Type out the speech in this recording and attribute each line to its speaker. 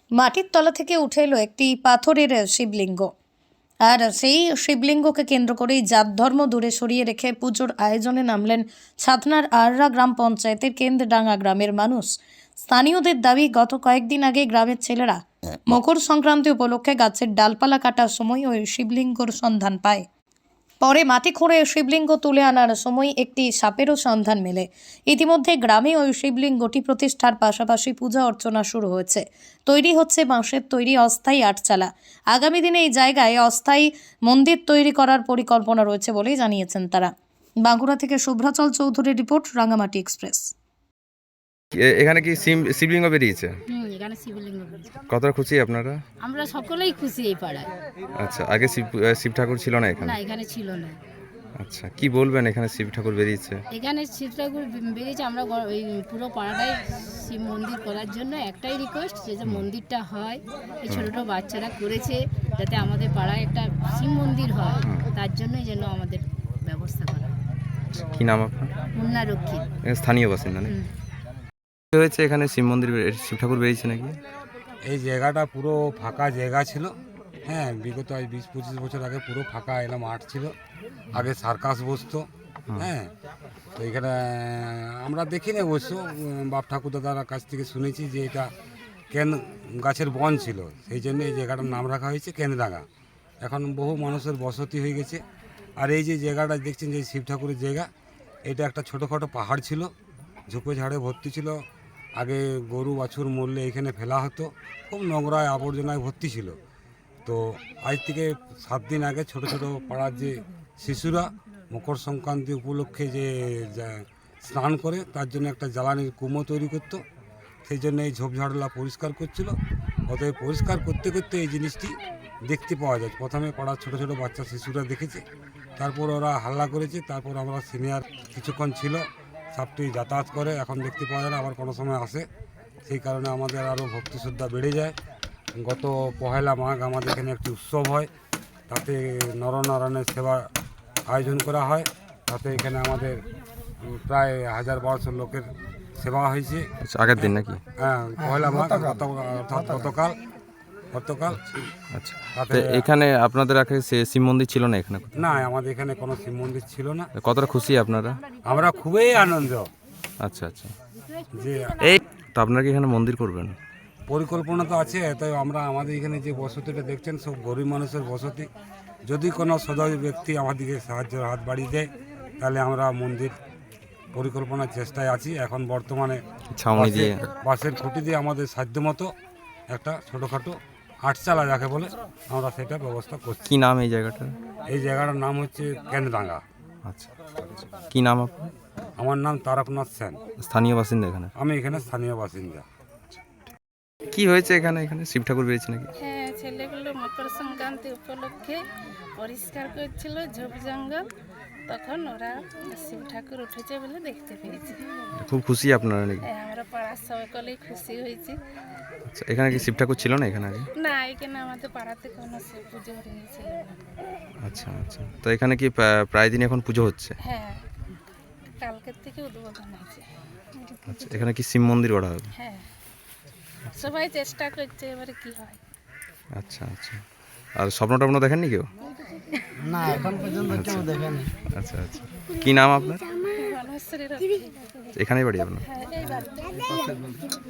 Speaker 1: মাটির তলা থেকে উঠে এলো একটি পাথরের শিবলিঙ্গ। আর সেই শিবলিঙ্গকে কেন্দ্র করেই জাত ধর্ম দূরে সরিয়ে রেখে পুজোর আয়োজনে নামলেন ছাতনার আররা গ্রাম পঞ্চায়েতের কেন্দ্রডাঙ্গা গ্রামের মানুষ। স্থানীয়দের দাবি, গত কয়েকদিন আগে গ্রামের ছেলেরা মকর সংক্রান্তি উপলক্ষে গাছের ডালপালা কাটার সময় ওই শিবলিঙ্গর সন্ধান পায়। পরে মাটি খুঁড়ে শিবলিঙ্গ তুলে আনার সময় একটি সাপেরও সন্ধান মেলে। ইতিমধ্যে গ্রামে ওই শিবলিঙ্গটি প্রতিষ্ঠার পাশাপাশি পূজা অর্চনা শুরু হয়েছে। তৈরি হচ্ছে বাঁশের তৈরি অস্থায়ী আটচালা। আগামী দিনে এই জায়গায় অস্থায়ী মন্দির তৈরি করার পরিকল্পনা রয়েছে বলেই জানিয়েছেন তারা। বাঁকুড়া থেকে শুভ্রাচল চৌধুরীর রিপোর্ট, রাঙামাটি এক্সপ্রেস।
Speaker 2: এখানে কি শিবলিঙ্গ বেরিয়েছে?
Speaker 3: এখানে শিবলিঙ্গ বেরিয়েছে।
Speaker 2: কতটা খুশি আপনারা?
Speaker 3: আমরা সকলেই খুশি এই পাড়ায়।
Speaker 2: আচ্ছা, আগে শিব ঠাকুর ছিল না এখানে?
Speaker 3: না, এখানে ছিল না।
Speaker 2: আচ্ছা, কি বলবেন, এখানে শিব ঠাকুর বেরিয়েছে?
Speaker 3: এখানে শিব ঠাকুর বেরিয়েছে। আমরা ওই পুরো পাড়াটাই শিব মন্দির করার জন্য একটাই রিকোয়েস্ট, যে মন্দিরটা হয়, এই ছোটো ছোটো বাচ্চারা করেছে যাতে আমাদের পাড়ায় একটা শিব মন্দির হয়, তার জন্যই যেন আমাদের ব্যবস্থা করা।
Speaker 2: কি নাম আপনার?
Speaker 3: মুন্না রক্ষী।
Speaker 2: স্থানীয় বাসিন্দা নাকি? কি হয়েছে এখানে শিব মন্দির, শিব ঠাকুর বেরিয়েছে নাকি?
Speaker 4: এই জায়গাটা পুরো ফাঁকা জায়গা ছিল। হ্যাঁ, বিগত 20-25 বছর আগে পুরো ফাঁকা এলাম মাঠ ছিল। আগে সার্কাস বসতো। হ্যাঁ, তো এখানে আমরা দেখিনি অবশ্য, বাপ ঠাকুর দাদার কাছ থেকে শুনেছি যে এটা গাছের বন ছিল, সেই জন্য এই জায়গাটার নাম রাখা হয়েছে কেন্দ্রডাঙ্গা। এখন বহু মানুষের বসতি হয়ে গেছে। আর এই যে জায়গাটা দেখছেন, যে শিব ঠাকুরের জায়গা, এটা একটা ছোটোখাটো পাহাড় ছিল, ঝোপে ঝাড়ে ভর্তি ছিল। আগে গরু বাছুর মরলে এখানে ফেলা হতো, খুব নোংরায় আবর্জনায় ভর্তি ছিল। তো আজ থেকে 7 দিন আগে ছোট ছোট পাড়ার যে শিশুরা মকর সংক্রান্তি উপলক্ষে যে স্নান করে, তার জন্য একটা জ্বালানির কুমো তৈরি করতো, সেই জন্য এই ঝোপঝাড়লা পরিষ্কার করছিল। অতএব পরিষ্কার করতে করতে এই জিনিসটি দেখতে পাওয়া যায়। প্রথমে পাড়ার ছোট ছোট বাচ্চা শিশুরা দেখেছে, তারপর ওরা হাল্লা করেছে, তারপর আমরা সিনিয়র কিছুক্ষণ ছিল, সাপটি যাতায়াত করে, এখন দেখতে পাওয়া যায় না, আবার কোনো সময় আসে। সেই কারণে আমাদের আরও ভক্তি শ্রদ্ধা বেড়ে যায়। গত 1 মাঘ আমাদের এখানে একটি উৎসব হয়, তাতে নরনারায়ণের সেবা আয়োজন করা হয়। তাতে এখানে আমাদের প্রায় 1000-1200 লোকের সেবা হয়েছে।
Speaker 2: আচ্ছা, আগের দিন নাকি?
Speaker 4: হ্যাঁ, 1 মাঘ অর্থাৎ গতকাল।
Speaker 2: আচ্ছা, তো এখানে আপনাদের আগে শিব মন্দির ছিল না এখানে?
Speaker 4: না, আমাদের এখানে কোনো শিব মন্দির ছিল না।
Speaker 2: কতটা খুশি আপনারা?
Speaker 4: আমরা খুবই আনন্দ।
Speaker 2: আচ্ছা আচ্ছা,
Speaker 4: যে
Speaker 2: এই তো আপনারা কি এখানে মন্দির করবেন?
Speaker 4: পরিকল্পনা তো আছে, তাই আমরা আমাদের এখানে যে বসতিটা দেখছেন, সব গরিব মানুষের বসতি। যদি কোনো সদয় ব্যক্তি আমাদেরকে সাহায্যের হাত বাড়িয়ে দেয়, তাহলে আমরা মন্দির পরিকল্পনার চেষ্টায় আছি। এখন বর্তমানে
Speaker 2: ছাউনি দিয়ে,
Speaker 4: বাঁশের খুঁটি দিয়ে আমাদের সাধ্যমতো একটা ছোটোখাটো আটচালা যাকে বলে, আমরা সেটা ব্যবস্থা করছি।
Speaker 2: কি নাম এই জায়গাটা?
Speaker 4: এই জায়গাটার নাম হচ্ছে কেন্দ্রডাঙ্গা।
Speaker 2: আচ্ছা, কি নাম আপনার?
Speaker 4: আমার নাম তারকনাথ সেন।
Speaker 2: স্থানীয় বাসিন্দা এখানে?
Speaker 4: আমি এখানে স্থানীয় বাসিন্দা।
Speaker 2: কি হয়েছে এখানে? এখানে শিব ঠাকুর বেরিয়েছে নাকি?
Speaker 5: হ্যাঁ, ছেলেগুলো মকর সংক্রান্তি উপলক্ষে পরিষ্কার করছিল ঝোপ জঙ্গল, তখন ওরা শিব ঠাকুর উঠেছে বলে দেখতে পেয়েছি।
Speaker 2: খুব খুশি আপনারা নাকি?
Speaker 5: হ্যাঁ, আমরা পাড়ার সকলেই খুশি হয়েছি।
Speaker 2: আচ্ছা, এখানে কি শিব ঠাকুর ছিল না এখানে আগে?
Speaker 5: না, এখানে আমাদের পাড়াতে কোনো শিব পুজো হয়েছিল না।
Speaker 2: আচ্ছা আচ্ছা, তো এখানে কি প্রায় দিন এখন পুজো হচ্ছে?
Speaker 5: হ্যাঁ, কালকের থেকে উদ্বোধন হয়েছে।
Speaker 2: আচ্ছা, এখানে কি শিব মন্দির গড়া হবে?
Speaker 5: হ্যাঁ, সবাই চেষ্টা করছে, এবারে কি হয়।
Speaker 2: আচ্ছা আচ্ছা, আর স্বপ্ন টপ্ন দেখেননি কেউ?
Speaker 6: না, এখন পর্যন্ত কেউ দেখেনি।
Speaker 2: আচ্ছা আচ্ছা, কি নাম আপনার?
Speaker 5: গণেশ্বরীর
Speaker 2: এখানেই বাড়ি আপনার?
Speaker 5: হ্যাঁ, এই বাড়িতে।